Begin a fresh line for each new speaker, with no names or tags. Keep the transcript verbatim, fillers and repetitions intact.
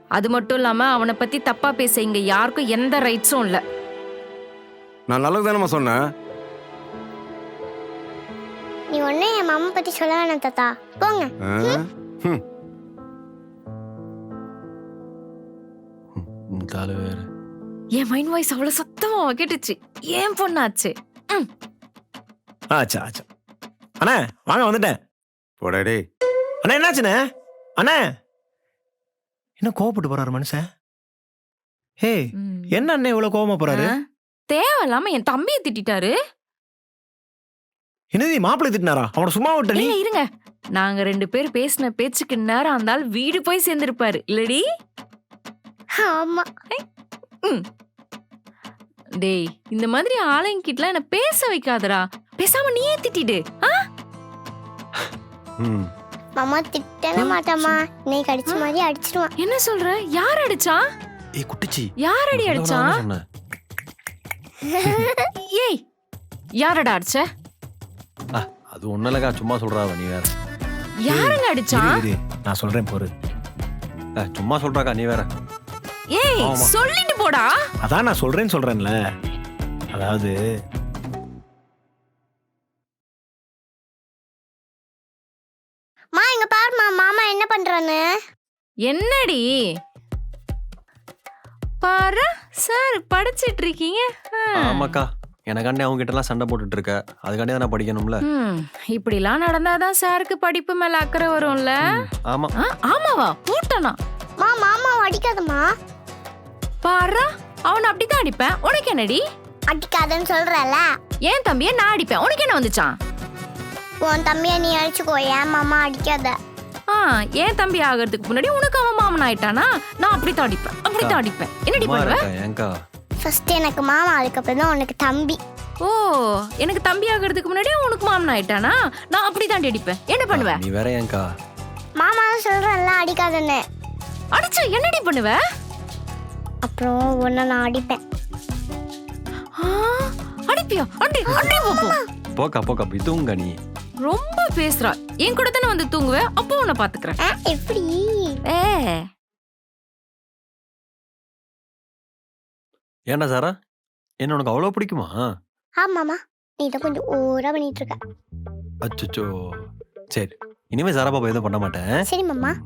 அது மட்டும் இல்லாம அவனை பத்தி தப்பா பேச இங்க யாருக்கும் எந்த ரைட்ஸும் இல்ல.
நான் நல்லது தானம்மா சொன்னேன்.
நீ ஒண்ணு என் மாமா பத்தி சொல்ல வேணாம் தாத்தா, போங்க.
ஆ? ஹம்.
இந்த ஆளு வேற.
என் மைண்ட் வாய்ஸ் அவ்வளவு சத்தமா கேட்டுச்சு. ஏன் பொண்ணாச்சு. ம்.
ஆச்சா ஆச்சா அண்ணா வாங்க வந்துட்டேன்.
போடா டேய்.
அண்ணா என்னாச்சுண்ணே? அண்ணா என்ன கோவப்பட்டு போறாரு மனுஷன்? ஹே
ம்.
என்ன அண்ணே இவ்வளவு கோவமா போறாரு?
ஆ? தேவையில்லாம என் தம்பியை திட்டாரு.
என்னது மாப்பிள்ளை திட்டினாரா? அவனை சும்மா விட்ட நீ?
இல்ல இருங்க, நாங்க ரெண்டு பேர் பேசின பேச்சுக்கு நேரம் இருந்தால் வீடு போய் சேர்ந்திருப்பாரு இல்லடி?
ஆமா.
ம். டேய், இந்த மாதிரி ஆளுங்கிட்டலாம் என்ன பேச வைக்காதடா. பேசாம நீயே திட்டிடு. ஆ?
ம்.
மாமா திட்டவே மாட்டாமா, இன்னைக்கு அடிச்ச மாதிரி அடிச்சிடுவான்.
என்ன சொல்ற? யார் அடிச்சா?
ஏய் குட்டிச்சி
யார் அடி அடிச்சா?
சொன்னேன்.
ஏய், யாரடா அடிச்ச?
ஆ, அது ஒண்ணு இல்லக்கா, சும்மா சொல்றாவ நீ வேற.
யாருங்க அடிச்சா?
இரு, இரு, நான் சொல்றேன் பொறு. ஆ, சும்மா சொல்றாக்கா நீ வேற.
ஏய்,
ஆமா.
சொல்லிட்டு போடா.
அதான் நான் சொல்றேன்னு சொல்றேன்ல. அதாவது
மா இங்க பாருமா, மாமா என்ன பண்றான்னு.
என்னடி? பாரு சார் படிச்சிட்டு இருக்கீங்க. ஆ.
ஆமாக்கா, எனக்காண்டி அவங்க கிட்ட எல்லாம் சண்டை போட்டுட்டு இருக்க, அதுக்காண்டி தான் நான் படிக்கணும்ல.
ம், இப்படிலாம் நடந்தாதான் சாருக்கு படிப்பு மேல அக்கறை வரும்ல.
ஆமா.
ஆ, ஆமாவா? போட்டனா?
மா மாமா அடிக்காதமா.
பாரு, அவனை அப்படித்தான் அடிப்பேன். உனக்கு என்னடி?
அடிக்காதன்னு சொல்றல.
ஏன் தம்பியை நான் அடிப்பேன், உனக்கு என்ன வந்துச்சான்?
உன் தம்பிய நீ அடிச்சுக்கோ, ஏன் மாமா அடிக்காத.
ஆ, ஏன் தம்பி ஆகிறதுக்கு முன்னாடி உனக்கு அவன் மாமன் ஆயிட்டானா? நான் அப்படித்தான் அடிப்பேன், அப்படித்தான் அடிப்பேன். என்னடி
சும்மா
பண்ணுவ?
இருக்கா ஏங்கா?
ஃபர்ஸ்ட் எனக்கு மாமா, அதுக்கப்புறம் தான் உனக்கு தம்பி.
ஓ, எனக்கு தம்பி ஆகிறதுக்கு முன்னாடி உனக்கு மாமன் ஆயிட்டானா? நான் அப்படித்தான் அடிப்பேன். என்ன பண்ணுவ?
நீ வேற ஏங்கா?
மாமா சொல்றல அடிக்காதன்னு.
அடிச்சா என்னடி பண்ணுவ?
அப்புறம் உன்னை நான் அடிப்பேன்.
ஆ, அடிப்பியா? அடி அடி பாப்போம்.
போக்கா போக்கா போய் தூங்க நீ.
ரொம்ப பேசுறா. என் கூட தானே வந்து தூங்குவ, அப்போ உன்னை பாத்துக்கிறேன்.
ஆ, எப்படி?
ஏ,
ஏன்டா சாரா, என்ன உனக்கு அவ்வளவு பிடிக்குமா?
ஆமாமா, நீ தான் கொஞ்சம் ஓவரா பண்ணிட்டு இருக்க.
அச்சோ, சரி இனிமே சாரா பாப்பா எதுவும் பண்ண மாட்டேன்.
சரி மாமா.